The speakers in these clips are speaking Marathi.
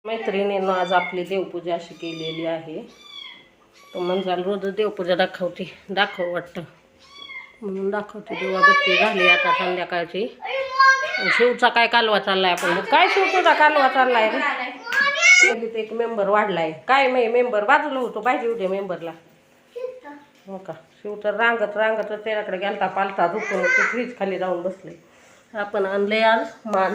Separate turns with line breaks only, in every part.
मैत्रिणींना आज आपली देवपूजा अशी केलेली आहे. तो म्हणजे रोज देवपूजा दाखव वाटतं म्हणून दाखवते. दिवाबत्ती झाली आता संध्याकाळची. शिवचा काय कालवा चाललाय आपण काय शिवचा कालवा चाललाय रे. एक मेंबर वाढलाय काय मेंबर बाजूला होतो पाहिजे उद्या मेंबरला. हो का शिव तर रांगत त्याच्याकडे गेलता पालता झोपून फ्रीज खाली जाऊन बसले. आपण आणले आज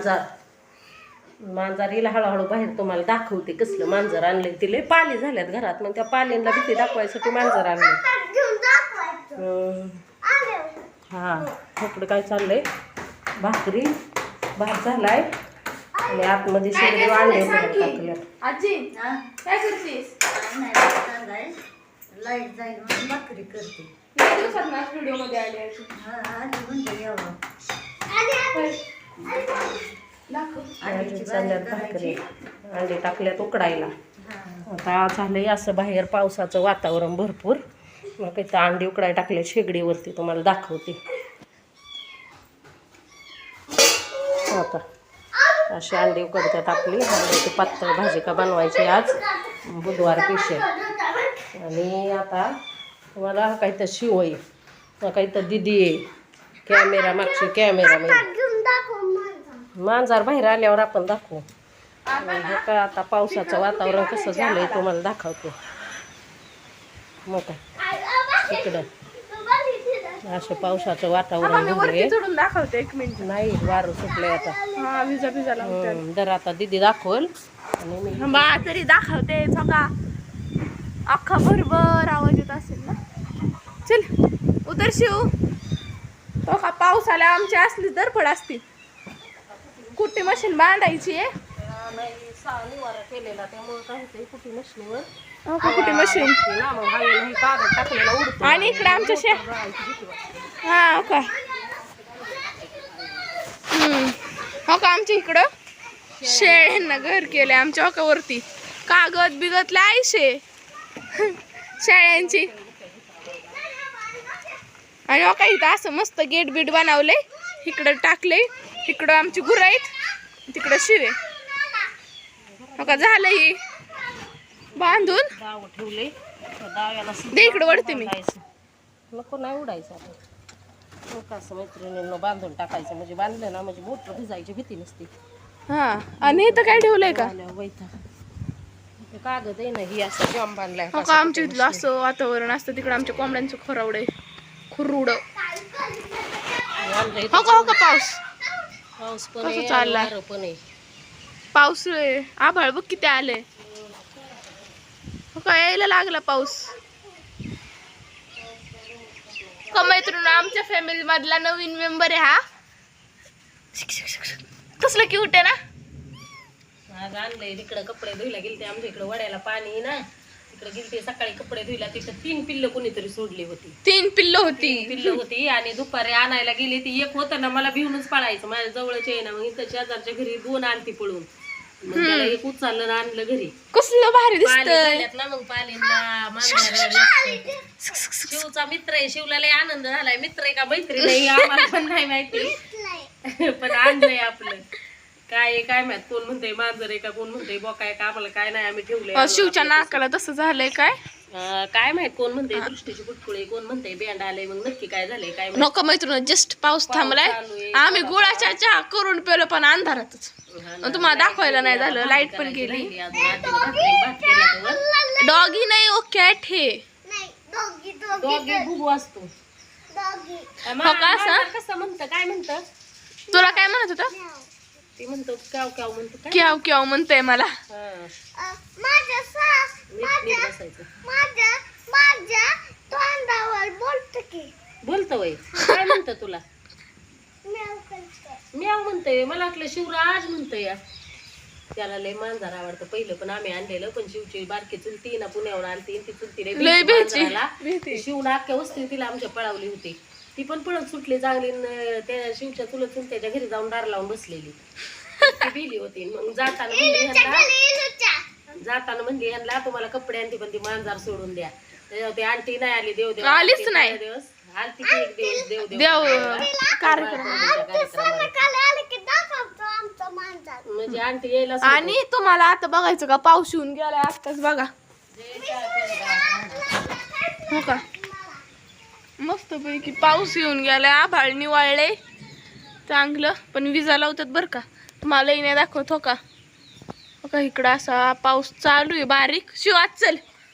मांजर हिला हळूहळू बाहेर तुम्हाला दाखवते कसलं मांजर आणले. तिले पाली झाल्यात घरात मग त्या पालींना भीती दाखवायसाठी मांजर आणले. हा इकडे काय चाललंय भाकरी भात झालाय आणि आतमध्ये शेगडी अंडे टाकले.
आजी काय करतेस?
लाईट जाईल म्हणून भाकरी करते.
व्हिडिओ मध्ये आले
भाकरी अंडे टाकल्यात उकडायला. आता झालंय असं बाहेर पावसाचं वातावरण भरपूर. मग काही अंडे उकडायला टाकले शेगडीवरती तुम्हाला दाखवते. आता अशी अंडी उकडतात आपली. अंड्याची पातळ भाजी का बनवायची आज बुधवार पेशल. आणि आता तुम्हाला काही तर शिव आहे काही तर दिदी आहे. कॅमेरा मागची कॅमेरा मांजर बाहेर आल्यावर आपण दाखवू. हे काय आता पावसाचं वातावरण कसं झालंय तुम्हाला दाखवतो. मग काय इकडं असं पावसाचं वातावरण झालंय.
दाखवते 1 मिनिट.
नाही वारं सुटलंय आता. दर आता दिदी दाखवल आणि मी
तरी दाखवते. बघा अख्खा भरभर आवाज येत असेल ना. चल उतर शिव. तो का पाऊस आला आमची असली धडपड असती. कुठे मशीन बांधायची आहे
निवारा केलेला त्यामुळे काय होतंय कुठे मशीनीवर
कुठे मशीन
टाकलेला उडतो.
आणि इकडे आमच्या हा का हो का आमच्या इकडं शेळ्यांना घर केलंय आमच्या ओकावरती. कागद बिगतला आयशे शेळ्यांची. आणि हो का इथं असं मस्त गेट बीट बनवलंय. इकडं टाकलंय. इकडं आमची गुरं आहेत तिकडं शिवे. हो का झालं ही बांधून
दाव ठेवले. दाव्याला
दे इकडं वळते मी.
नको नाही उडायचं आपण असं मैत्रिणींना बांधून टाकायचं म्हणजे बांधलं ना म्हणजे मोटर भिजायची भीती नसते.
हा आणि इथं काय ठेवलंय का
कागद आहे ना ही असं जॉम बांधलाय.
हो का आमच्या इथलं असं वातावरण असतं. तिकडं आमच्या कोंबड्यांचं खरावड खुरुड. हो का
पाऊस पण
कसं चालला
पण आहे.
पाऊस आभाळ बघ किती आलंय. हो का यायला लागला पाऊस. का मैत्रीण आमच्या फॅमिली मधला नवीन मेंबर आहे हा. कसलं क्यूट आहे ना.
आज आणलंय तिकडं कपडे धुयला गेलते आमच्या इकडं वड्याला पाणी ना तिकडे गेलते सकाळी कपडे धुयला. तिथं 3 पिल्लं कोणीतरी सोडली होती.
3 पिल्लं होती
आणि दुपारी आणायला गेली ती एक होतं ना मला भिवूनच पळायचं. माझ्या जवळच आहे ना मग इथं शेजारच्या घरी 2 आणती पळून. मग त्याला एक उचललं आणलं घरी.
कसलं भारी दिसतंय
ना. मग पालीला शिवचा मित्र आहे. शिवला लय आनंद झालाय. मित्र आहे का मैत्री नाही आम्हाला पण नाही माहिती पण आणलंय आपलं. काय माहित कोण म्हणतंय मांजर आहे का कोण म्हणतंय बोका आहे का आम्हाला काय नाही. आम्ही ठेवलंय
शिवच्या नाकाला तसं झालंय
काय माहित कोण म्हणतंय दृष्टीची पुटकुळे कोण म्हणतंय बँड आलंय. मग नक्की काय झालंय काय
नको मैत्रीण. जस्ट पाऊस थांबलाय. आम्ही गुळाच्या चहा करून पेलो पण अंधारातच. तुम्हाला दाखवायला नाही झालं. लाईट पण गेली. डॉगी नाही ओ कॅट हे.
बुबू असतो. कसं म्हणतं काय म्हणतं
तुला काय म्हणत होतं?
ते म्हणतो क्याव क्याव म्हणतो.
क्याव क्याव म्हणतोय मला.
बोलतो वय काय म्हणतं तुला? म्याव म्हणतोय. मला वाटलं शिवराज म्हणतोय. त्याला लय मांजर आवडतं. पहिलं पण आम्ही आणलेलं पण शिवची बारकी चुलती ना पुण्यावर आणती ती चुलती शिवला अख्ख्या वस्ती तिला आमच्या पळावली होती. ती पण पळत सुटली चांगली. त्या शिवच्या चुलत चुलत्याच्या घरी जाऊन दार लावून बसलेली ती भिली होती. मग जाताना म्हणली ह्यांना तुम्हाला कपडे आणते पण ती मांजर सोडून द्या. त्याच्यावर ती आंटी नाही आली. देव
आलीच नाही.
दिवस आलती की एक दिवस देव कार्यक्रम म्हणजे आंटी यायला
आणि तुम्हाला आता बघायचं का पाऊस येऊन गेलाय आत्ताच बघा हो का मस्त पैकी पाऊस येऊन गेलाय आभाळ निवाळले चांगलं पण विजा लावतात बरं का तुम्हाला नाही दाखवत हो का इकडं असा पाऊस चालू आहे बारीक शिवात चल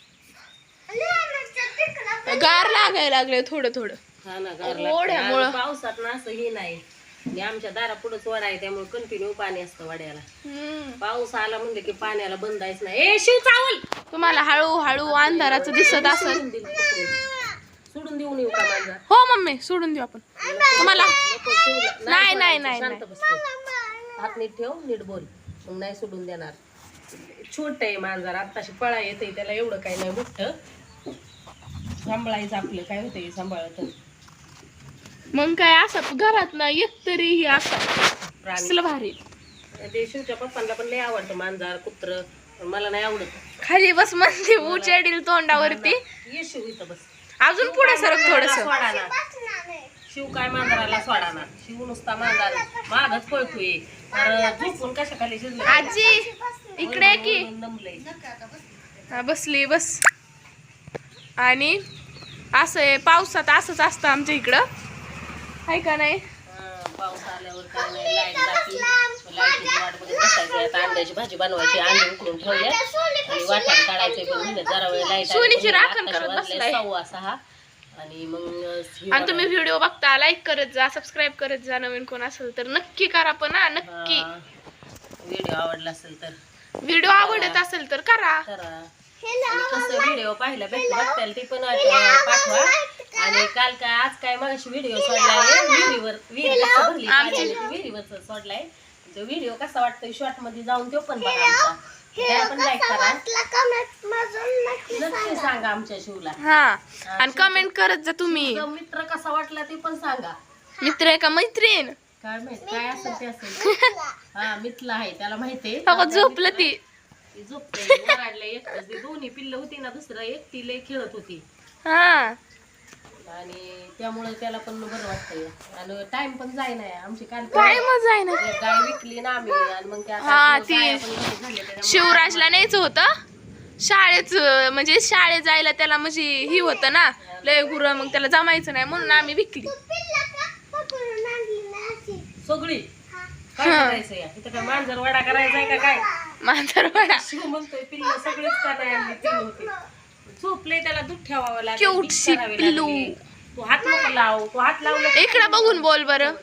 गार लागायला लागले थोडं थोडं
हा ना गार
ओढ्यामुळं.
लागतं. पावसात ना असं हे नाही आणि आमच्या दारा पुढेच वडा आहे त्यामुळे कंटिन्यू पाणी असतं वड्याला पाऊस आला म्हणजे की पाण्याला बंदायच नाही ए शिव चावल
तुम्हाला हळूहळू अंधाराचं दिसत असेल
सोडून देऊन येऊ का माझा
हो मम्मी सोडून देऊ आपण तुम्हाला नाही, नाही, नाही,
शांत बसतो हात नीट ठेव नीट बोल मग नाही सोडून देणार छोट आहे मांजर आत्ताशी पळा येते त्याला एवढं काही नाही मोठं सांभाळायचं आपलं काय होतंय सांभाळत
मग काय असं घरात ना एक तरी ही असं
प्राणी
असलं भारी
ते शिवच्या पप्पांना पण लय आवडतं मांजर कुत्र पण मला नाही आवडत
खाली बस म्हणते उचेडील तोंडावरती
ये शिव इथं बस
अजून पुढे सरक थोडस
सोडाना शिव काय मांजराला सोडाना शिव नुसता मांजर मागच पळतोय झोपून कशा खाली शिजलं
आजी इकडे ये की
नमलंय
हा बसली बस आणि असं आहे पावसात असंच असतं आमच्या इकडं आहे का नाही
पाऊस आल्यावर काय नाही लाईट जाती लाईटीची वाट बघत बसायची आता अंड्याची भाजी बनवायची अंडे उकडून ठेवले आणि वाटण काढायचंय पण म्हणलं जरा वेळ लाईट
सोनीची राखण करत बसलाय
6:15 आणि मग
आणि तुम्ही व्हिडिओ बघता लाईक करत जा सबस्क्राईब करत जा नवीन कोण असेल तर नक्की करा पण हा नक्की
व्हिडिओ आवडला असेल तर
व्हिडिओ आवडत असेल तर करा
करा आणि कसं व्हिडिओ पाहिला बघताल ते पण पाठवा आणि काल काय आज काय मगाशी व्हिडिओ सोडलाय विहिरीवर सोडलाय तो व्हिडिओ कसा वाटतोय शॉर्ट मध्ये जाऊन तो पण बघा आमचा त्याला पण लाईक करा नक्की सांगा आमच्या शिवला
हा आणि कमेंट करत जा तुम्ही
शिवचा मित्र कसा वाटला ते पण सांगा
मित्र आहे का मैत्रीण
काय माहित काय असेल ते असेल हा मिथला आहे त्याला माहितीये
झोपलं ती
झोपते ओरडले एकच ती दोन्ही पिल्ल होती ना दुसरं एकटी लय खेळत होती
हा
आणि त्यामुळे त्याला पण बरं वाटतंय आणि टाइम पण जाय नाही आमची काल
काय मजा आहे ना
एक गाय विकली ना आम्ही आणि मग त्या
हा,
आता
ती
गाया पण घरी झाल्या त्याच्यामुळे
शिवराजला न्यायचं होतं शाळेच म्हणजे शाळेत जायला त्याला म्हणजे ही होतं ना लय गुरं मग त्याला जमायचं नाही म्हणून आम्ही विकली
सगळी काय करायचं या इथं काय मांजर वडा करायचा आहे का काय
मांजरवाडा
शिव म्हणतोय पिल्ल सगळीच का नाही आणली तीन होती झोपले त्याला दूध ठेवावं लागेल
Cute
बीट
शी
करावी
पिल्लू.
लागेल. तू हात नको लाव तू हात लावला की
इकडं बघून बोल बरं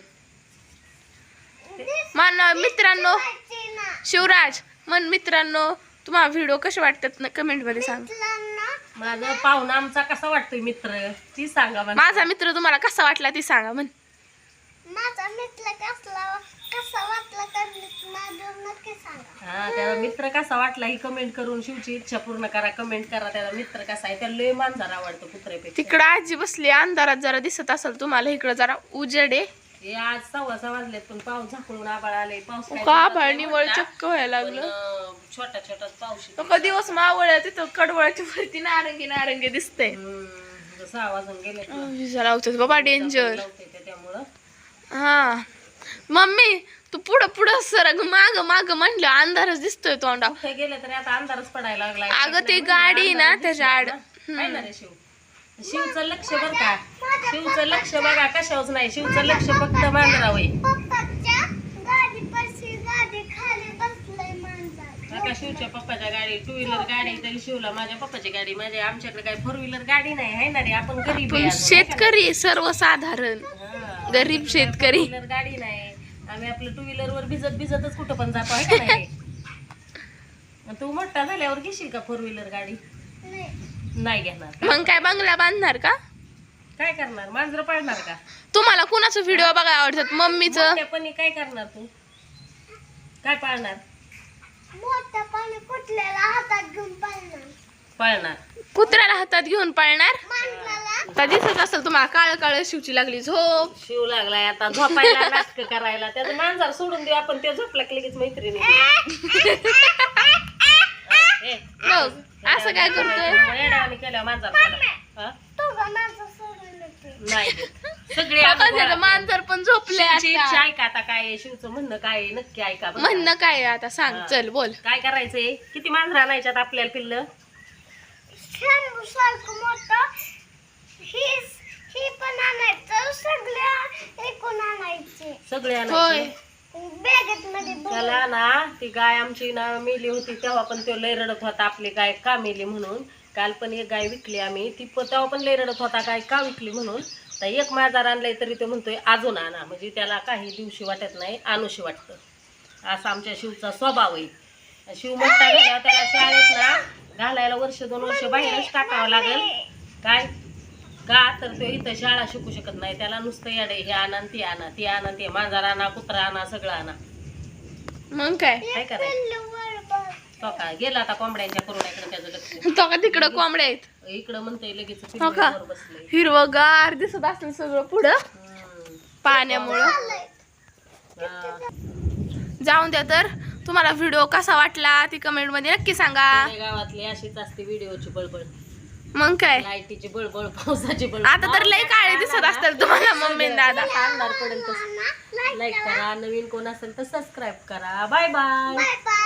मान मित्रांनो शिवराज मन मित्रांनो तुम्हाला व्हिडिओ कसे वाटतात कमेंट मध्ये सांग
माझा पाहुणा आमचा कसा वाटतोय मित्र ती सांगा मला
माझा मित्र तुम्हाला कसा वाटला ते सांगा म्हण
माझा मित्र कसा वाटला तर नक्की सांगा
हा त्याचा मित्र कसा वाटला ही कमेंट करून शिवची इच्छा पूर्ण करा कमेंट करा त्याचा मित्र कसा आहे त्याला लय मांजर आवडतं कुत्र्यापेक्षा
तिकडं आजी बसली अंधारात जरा दिसत असेल तुम्हाला इकडं जरा उजेड आहे
हे आज 6:15 वाजलेत पण पाऊस झाकळून आबाळ आले पाऊस काय
का
दिवसात
आभाळ
नाही
निवळ
मोठा,
चक्क व्हायला
पण,
लागलं
छोटा छोटा पाऊस येतो.
तो दिवस मावळ तिथं कडवळाच्या वरती नारंगी नारंगी दिसतंय
6 वाजून गेले
विजा लावतात बाबा डेंजर
त्यामुळं
हा मम्मी तू पुढं पुढं सरग माग माग म्हणलं अंधारच दिसतोय तोंडा
कुठे गेले तरी आता अंधारच पडायला लागला
अगं ते गाडी ना त्याच्या आड
काय ना रे शिव शिवचं लक्ष बर का शिवचं लक्ष बघा कशावच नाही शिवचं लक्ष फक्त मांजरावय
पप्पाच्या गाडीपाशी गाडी खाली बसलंय मांजर
आता शिवच्या पप्पाच्या गाडी 2 व्हीलर गाडी तरी शिवला माझ्या पप्पाची गाडी माझ्या आमच्याकडे काही 4 व्हीलर गाडी नाही आहे ना रे आपण गरीब आहे
पण
अजून,
शेतकरी सर्वसाधारण
हा.
गरीब शेतकरी
4 व्हीलर गाडी नाही आम्ही आपलं 2 व्हीलर वर भिजतच कुठं पण जातो आहे का नाही तू मोठा झाल्यावर घेशील का 4 व्हीलर गाडी नाही घेणार
मग काय बंगला बांधणार का
काय करणार मांजर पाळणार का
तुम्हाला कुणाचं व्हिडिओ बघायला आवडतात मम्मीचं
मोठ्यापणी काय करणार तू काय पाळणार
मोठं पाणी कुठल्याला हातात घेऊन
पाळणार
कुत्र्याला हातात घेऊन पळणार
मांजराला
आता दिसत असेल तुम्हाला काळ काळ शिवची लागली झोप
शिव लागलाय आता झोपायला नाटक करायला त्याचं मांजर सोडून देऊ आपण ते झोपला की लगेच मैत्रिणी
बघ असं काय करतोय
येड्यावानी केल्यावर मांजर सोडा. हा?
तो माझं सोडून येते
नाही देत. सगळे आम्ही गोळा केले.
मांजर पण झोपले
शिवची
आता.
इच्छा ऐका आता काय आहे, शिवचं म्हणणं काय आहे, नक्की ऐका बरं का.
म्हणणं काय आहे आता सांग
हा.
चल बोल.
काय करायचंय, किती मांजर आणायच्यात आपल्याला पिल्लं?
शंभू सारखं मोठं ही पण आणायचं सगळ्या एकूण आणायचे
सगळे
होय
आणायचे.
बॅगेत मध्ये
त्याला ना ती गाय आमची ना मेली होती तेव्हा पण तो लय रडत होता आपली गाय का मेली म्हणून. काल पण एक गाय विकली आम्ही, ती तेव्हा पण लय रडत होता गाय का विकली म्हणून. तर एक मांजर आणलंय तरी तो म्हणतोय अजून आणा, म्हणजे त्याला काही दिवशी वाटत नाही, आणूशी वाटतं. असा आमच्या शिवचा स्वभाव आहे. शिव मोठा झाल्यावर त्याला शाळेत ना घालायला 1-2 वर्ष बाहेरच टाकावं लागेल. काय का तर तो इथं शाळा शिकू शकत नाही, त्याला नुसतं याडे हे आणा ती आणा ती आणा ते मांजर आणा कुत्रा आणा सगळं आणा.
मग काय
काय करायचं तो का गेला आता कोंबड्यांच्या करुण्याकडे त्याचं लक्ष.
तो का तिकडं कोंबड्या आहेत
इकडं म्हणतोय लगेच
हो का?
वर बसलंय.
हिरवगार दिसत असेल सगळं पुढं पाण्यामुळं.
हा.
जाऊन द्या. तर तुम्हाला व्हिडिओ कसा वाटला ती कमेंट मध्ये नक्की सांगा.
आपल्या गावातली अशीच असते व्हिडिओची बळबळ,
मग काय
लाईटीची बळबळ, पावसाची बळबळ.
आता तर लय काळे दिसत असतात तुम्हाला मम्मी आणि दादा.
अंधार पडेल तसं लाईक करा, नवीन कोण असेल तर सबस्क्राईब करा. Bye bye.
Bye bye.